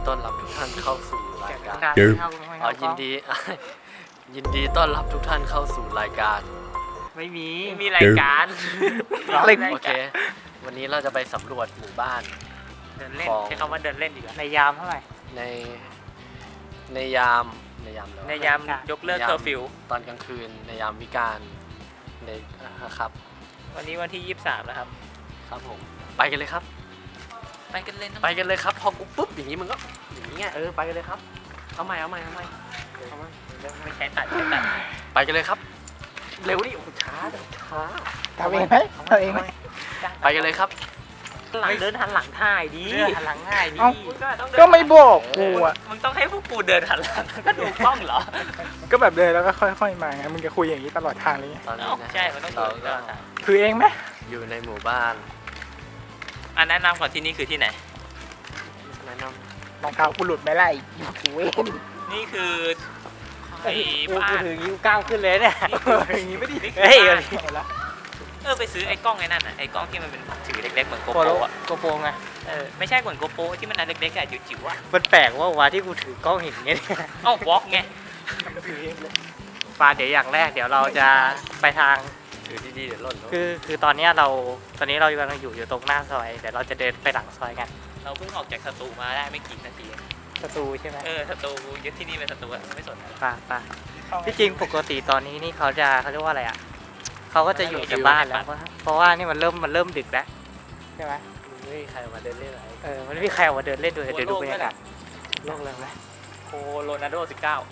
ต้อนรับทุกท่านเข้าสู่รายการเดี๋ยวยินดี ยินดีต้อนรับทุกท่านเข้าสู่รายการไม่มีรายการโอเค วันนี้เราจะไปสำรวจหมู่บ้านเดินเล่นของใช้คำว่าเดินเล่นดีกว่าในยามเท่าไหร่ในยามแล้วในยามยกเลิกเคอร์ฟิวตอนกลางคืนในยามวิกาลในครับวันนี้วันที่23นะครับครับผมไปกันเลยครับไปกันเล่นไปกันเลยครับพอกูปุ๊บอย่างนี้มึงก็อย่างนี้ไงไปกันเลยครับเอาใหม่ไม่ใช้ตัดไปกันเลยครับเร็วดิโอ้ช้าทำเองไหมทำเองไหมไปกันเลยครับหลังเดินหันหลังถ่ายดีหันหลังง่ายดีก็ไม่บอกกูอ่ะมึงต้องให้พวกกูเดินหันหลังก็ดูกล้องเหรอก็แบบเดินแล้วก็ค่อยๆมาไงมึงจะคุยอย่างนี้ตลอดทางเลยไงตอนนี้นะใช่มันต้องเราเดินก็คือเองไหมอยู่ในหมู่บ้านอันแนะนำก่อนที่นี่คือที่ไหนแนะนรองเท้ากูหลุดไหมล่ะไอ้เว้ยนี่คือไอ้กูบ้านถือยิ้วก้าวขึ้นเลยเนี่ยอย่างนี้ไม่ดีเฮ้ยไปซื้อไอ้กล้องไอ้นั่นน่ะไอ้กล้องที่มันเป็นถือเล็กๆเหมือนโกโปโปรรอ่ะโกโปรไงไม่ใช่เหมือนโกโปรที่มันอันเล็กๆอ่ะจิ๋วๆอ่ะมันแปลกว่าวะที่กูถือกล้องเห็นอย่างเงี้ยเอ้าวอล์กไงฟ้าเดี๋ยวอย่างแรกเดี๋ยวเราจะไปทางำถือดีๆเดี๋ยวหล่นคือตอนนี้เรากำลังอยู่ตรงหน้าซอยเดี๋ยวเราจะเดินไปหลังซอยกันเราเพิ่งออกจากสตูมาได้ไม่กี่นาทีสตูใช่ไหมสตูยึดที่นี่เป็นสตูอะไม่สนป่ะที่จริงปกติตอนนี้นี่เขาเรียกว่าอะไรอ่ะเขาก็จะอยู่ในบ้านแล้วเพราะว่านี่มันเริ่มดึกแล้วใช่ไหมไม่มีใครมาเดินเล่นอะไรมันไม่มีใครออกมาเดินเล่นด้วยเดี๋ยวดูบรรยากาศโลกเลยไหมโคโรนาโด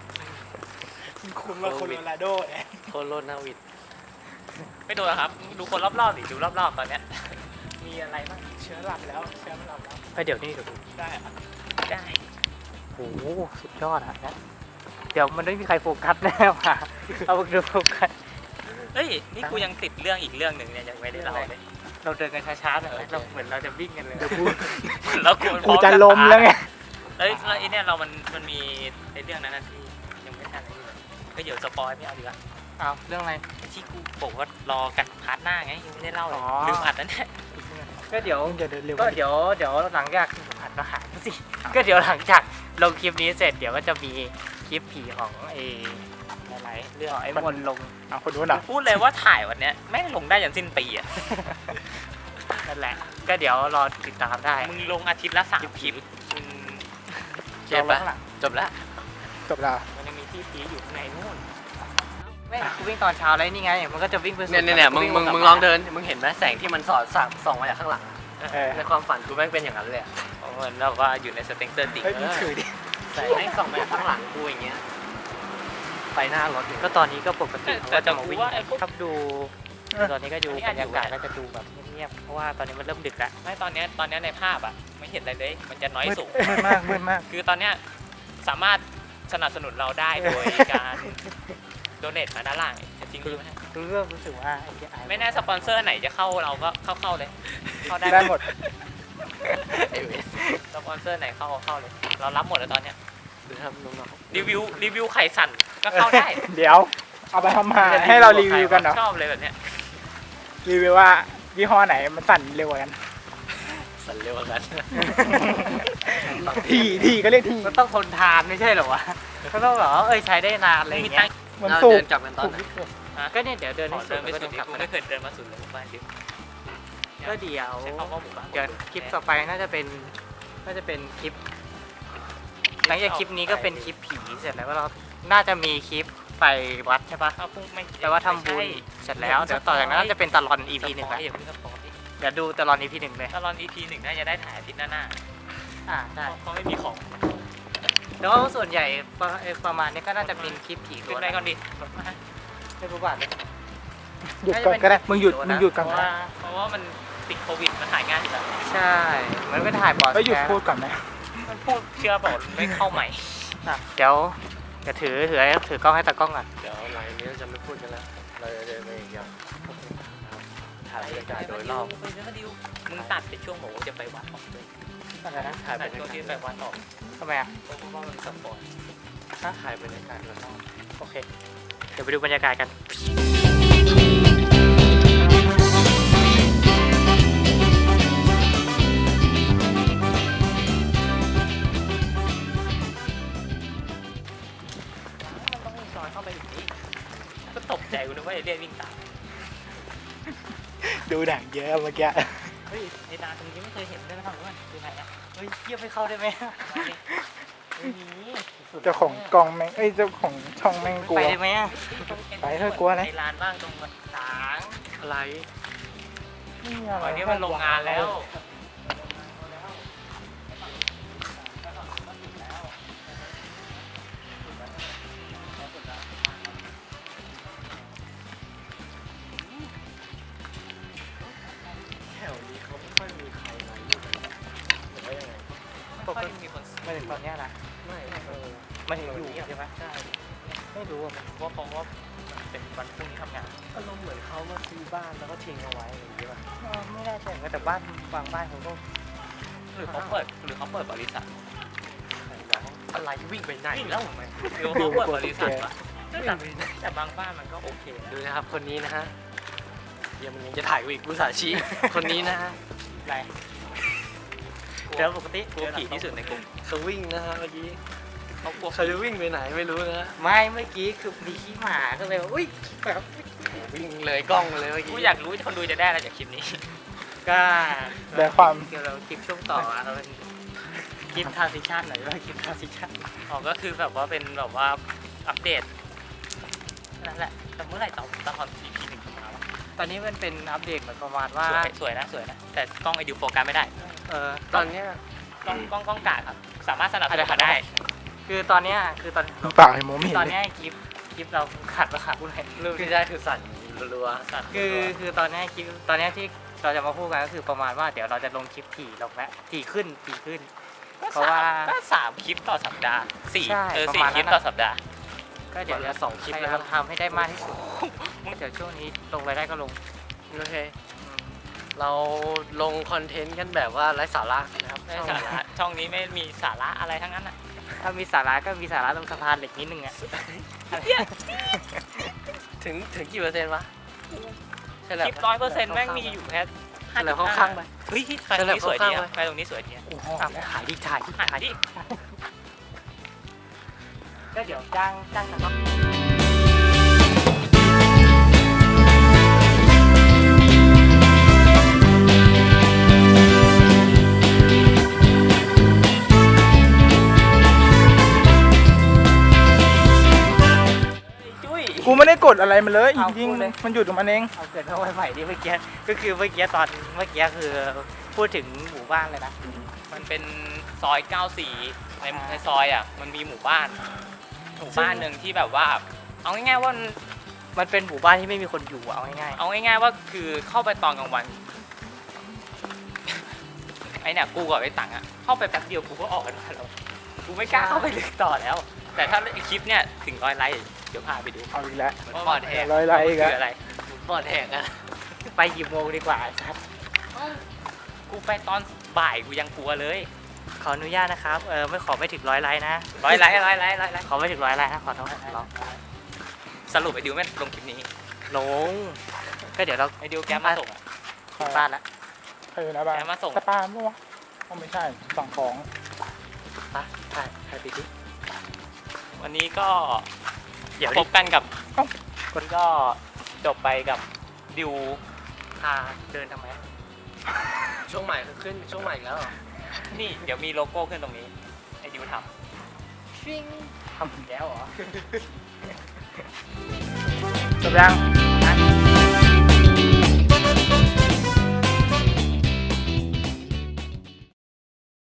19 คุณว่าโคโลราโดเนี่ยโคโรนาวิดไม่โดนหรอกครับดูคนรอบๆดิดูรอบๆตอนเนี้ยมีอะไรบ้างเชื้อหลับแล้วเชื้อมันหลับแล้วเดี๋ยวนี่เดี๋ยวดูได้อะได้โอ้โหสุดยอดอ่ะนะเดี๋ยวมันไม่มีใครโฟกัสแน่ว่ะเอาดูโฟกัสเฮ้ยนี่กูยังติดเรื่องอีกเรื่องหนึ่งเนี่ยยังไม่ได้เล่าเลยเราเดินกันช้าๆหน่อยไหมเราเหมือนเราจะวิ่งกันเลยแล้วกูกูจะล้มแล้วไงแล้วไอ้เนี่ยเรามันมีไอ้เรื่องนั้นที่ยังไม่ทันไอ้นี่เลยก็เดี๋ยวสปอยไม่เอาดีกว่าเอาเรื่องอะไรที่กูบอกว่ารอกันพาร์ทหน้าไงยังไม่ได้เล่าเลยอ๋อลืมอัดนั่นแหละก็เดี๋ยวมึงจะเดินเร็วก็เดี๋ยวหลังจากผ่านมาหาสิก็เดี๋ยวหลังจากลงคลิปนี้เสร็จเดี๋ยวก็จะมีคลิปผีของอะไรเรื่องไอ้มนลงเอาคนนู้นเหรอพูดเลยว่าถ่ายวันเนี้ยแม่งลงได้ยันสิ้นปีอ่ะนั่นแหละ ก็เดี๋ยวรอติดตามได้มึงลงอาทิตย์ละ3 คลิปมึงเก็บแล้วจบแล้วจบแล้วมันยังมีที่พีอยู่ข้างในนู่นไม่กูวิ่งตอนเช้าแล้วนี่ไงมันก็จะวิ่งไปสุดเนี่ยมึงลองเดินมึงเห็นไหมแสงที่มันส่องมาจากข้างหลัง ในความฝันกูแม่งเป็นอย่างนั้นเลยอะเหมือนเราว่าอยู่ในสเต็งเตอร์ติงเฮ้ยมึงถือดิแสงแม่งส่องมาจากข้างหลังกูอย่างเงี้ยไฟหน้ารถก็ตอนนี้ก็ปกติแต่จะกูมาวิ่งว่าไอ้พวกครับดูตอนนี้ก็ดูบรรยากาศก็จะดูแบบเงียบๆเพราะว่าตอนนี้มันเริ่มดึกแล้วไม่ตอนเนี้ยในภาพอ่ะไม่เห็นอะไรเลยมันจะน้อยมืดสูงมืดมากคือตอนเนี้ยสามารถสนับสนุนเราได้โดยการโดเนทมาด้านล่างจะทิ้งรูปให้รู้สึกว่าไอ้ไม่แน่สปอนเซอร์ไหนจะเข้าเราก็เข้าเลยเข้าได้ได้หมดสปอนเซอร์ไหนเข้าเลยเรารับหมดแล้วตอนเนี้ยคือทำน้องรีวิวไข่สั่นก็เข้าได้เดี๋ยวเอาไปทำมาให้เรารีวิวกันเหรอชอบเลยแบบเนี้ยรีวิวว่ายี่ห้อไหนมันสั่นเร็วกว่ากันๆสั่นเร็วกันทีก็เรียกทีมันต้องทนทานไม่ใช่เหรอวะก็ต้องแบบว่าใช้ได้นานอะไรอย่างมีเงี้ตัยงค์มันเราสูเดิบนกลับกันตอนไหนก็เนี่ยเดี๋ยวเดินขอให้สุเดิดนไม่ก็สุจะดกลับกูมาไม่เคยเดินมาสุดเลยหมู่บ้านดิก็เดี๋ยวใช้คำว่าหมู่บ้านเดี๋ยวคลิปต่อไปน่าจะเป็นคลิป หลังจากคลิปนี้ก็เป็นคลิปผีเสร็จแล้วเราน่าจะมีคลิปไปวัดใช่ปะเอาพุ่งไม่แปลว่าทำบุญเสร็จแล้วเดี๋ยวต่อจากนั้นจะเป็นตลอน EP 1แล้วอย่าเพิ่งสปอยเดี๋ยวดูตลอน EP 1เลยตลอน EP 1น่าจะได้ถ่ายอาทิตย์หน้าได้เพราะไม่มีของแล้วก็ส่วนใหญ่ประมาณนี้ก็น่าจะเป็นคลิปผีขึ้นได้ก่อนดิไม่รู้บาทเลยหยุดก่อนก็ได้มึงหยุดก่อนเพราะว่ามันติดโควิดมันถ่ายง่ายอยู่แล้วใช่มันไม่ถ่ายบอลก็หยุดพูดก่อนไหมมันพูดเชื่อบอกไม่เข้าใหม่เดี๋ยวถือกล้องให้ตากล้องก่อนเดี๋ยวหลังนี้เราจะไม่พูดกันแล้วเราจะเดินไปอย่างเดียวถ่ายบรรยากาศโดยรอบมึงตัดไปช่วงบอกว่าจะไปวัดออกเลยอะไรนะถ่ายบรตัดรช่วงยากาที่ศไปวัดออกทำไมอ่ะเพราะว่ามันสปอยถ่ายบรรยากาศโดยรอบโอเคเดี๋ยวไปดูบรรยากาศกันว่าเอเลี่ยนวิ่งตามดูหนังเยอะเมื่อกี้เฮ้ยไอ้ดานตรงนี้ไม่เคยเห็นได้ไหมครับว่าคือไหนนะเฮ้ยเยี่ยมไปเข้าได้ไหมไม่มีเจ้าของกล่องแม่งเจ้าของช่องแม่งกลัไปวได้ไหมอะไปเถอะกลัวอะไรในลานบ้างตรงสางอะไรตอนนี้มันโรงงานแล้วแถวนี้เขาไม่ค่อยมีใครมาอยู่กันหรือว่ายังไงปกติมีคนไม่ถึงตอนเนี้ยนะไม่มันถึงอยู่ใช่ไหมใช่ไม่รู้อะมันว่าเพราะว่ามันเป็นวันพรุ่งนี้ทำงานอารมณ์เหมือนเขามาซื้อบ้านแล้วก็ทิ้งเอาไว้อย่างนี้ป่ะไม่แน่ใจเหมือนกันแต่บ้านบางบ้านเขาก็หรือเขาเปิดบริษัทอะไรวิ่งไปไหนแล้วไหมหรือเขาเปิดบริษัทวะแต่บางบ้านมันก็โอเคนะดูนะครับคนนี้นะฮะเดี๋ยวมึงยังจะถ่ายกูอีกกูสาชี้ คนนี้นะฮะไหนเจอปกติกลัวผีที่สุดในกลุ่มเขาวิ่งนะฮะเมื่อกี้เขากลัวเขาจะวิ่งไปไหนไม่รู้นะฮะไม่เมื่อกี้คือมีขี้หมาก็เลยว่าอุ้ยแบบวิ่งเลยกล้องเลยเมื่อกี้กูอยากรู้คนดูจะได้อะไรจากคลิปนี้ก็แต่ความเดี๋ยวเราคลิปช่วงต่ออะเราเป็นคลิปทรานซิชันหน่อยว่าคลิปทรานซิชันอ๋อก็คือแบบว่าเป็นแบบว่าอัปเดตนั่นแหละแต่เมื่อไหร่ตอน EP หนึ่งจะมาวะตอนนี้มันเป็นอัปเดตเหมือนประมาณว่าสวยนะแต่กล้องไอดิวโฟกัสไม่ได้ตอนเนี้ยกล้องกาดครับสามารถสนับสนุนมาได้คือตอนเนี้ยคือตอนเปล่าให้โมไม่เห็นตอนเลเนี้ยยคลิปเราขัดมาขัดพูดให้ลืมคือได้คือสั่นรัวคือตอนเนี้ยคลิปตอนเนี้ยที่เราจะมาพูดกันก็คือประมาณว่าเดี๋ยวเราจะลงคลิปถี่ลงแล้วถี่ขึ้น เพราะว่าก็สามคลิปต่อสัปดาห์สี่ใช่ 4 ประมาณนั้นคลิปต่อสัปดาห์ก็เดี๋ยวจะ 2 คลิปพนะยาคยารับมทำให้ได้มากที่สุดเดี๋ยวช่วงนี้ลงรายได้ก็ลงโอเค เราลงคอนเทนต์กันแบบว่าไร้สาระนะครับไม่สาระช่องนี้ไม่มีสาระอะไรทั้งนั้นอ่ะถ้ามีสาระก็มีสาระตรงสะพานเหล็กนิดนึงอะถึงกี่เปอร์เซ็นต์วะใช่แหคละลิป100%แม่งมีอยู่แค่ใช่แล้วข้างๆไปเฮ้ยไฟตรงนี้สวยดีอะไฟตรงนี้สวยดีอะโอ้โหถ่ายดิถ่ายหันดิก็เดี๋ยวจ้างนะครับจุ้ยกูไม่ได้กดอะไรมันเลยเอาจริงพูดเลยๆมันหยุดของมันเองเอาเกิดเข้าไปใหม่ดิเมื่อกี้ก็คือเมื่อกี้ตอนเมื่อกี้คือพูดถึงหมู่บ้านเลยนะมันเป็นซอย 94 ในซอยอ่ะมันมีหมู่บ้านหนึ่งที่แบบว่า เอาง่ายๆว่ามันเป็นหมู่บ้านที่ไม่มีคนอยู่อะเอาง่ายเอาง่ายๆว่าคือเข้าไปตอนกลางวัน ไอเนี่ยกูกับไอ้ตังอะเข้าไปแป๊บเดียวกูก็ออกกันมาแล้วกูไม่กล้าเข้าไปลึกต่อแล้ว แต่ถ้าคลิปเนี่ยถึง100 ไลค์เดี๋ยวพาไปดูเอาอีกแล้วมันปอดแหก 100 ไลค์อีกแล้วคืออะไรปอดแหกอะๆไปกี่โมงดีกว่าครับกูไปตอนบ่ายกูยังกลัวเลยขออนุญาตนะครับไม่ขอไม่ถึง100 ไลค์นะ 100 ไลค์ขอไม่ถึง100 ไลค์นะขอโทษนะสรุปไอ้ดิวแม่งลงคลิปนี้ลงก็เดี๋ยวเราไอ้ดิวแกมาส่งอะถึงบ้านละใครอยู่นะบ้านแกมาส่งสปาล์มปะวะอ๋อไม่ใช่สั่งของไปถ่ายไปดิวันนี้ก็เดี๋ยวพบกันกับเอ้าคนก็จบไปกับดิวพาเดินทำไมช่วงใหม่คือขึ้นช่วงใหม่อีกแล้วเหรอนี่เดี๋ยวมีโลโก้ขึ้นตรงนี้ไอ้ดิวททำอีกแล้วเหรอจบยัง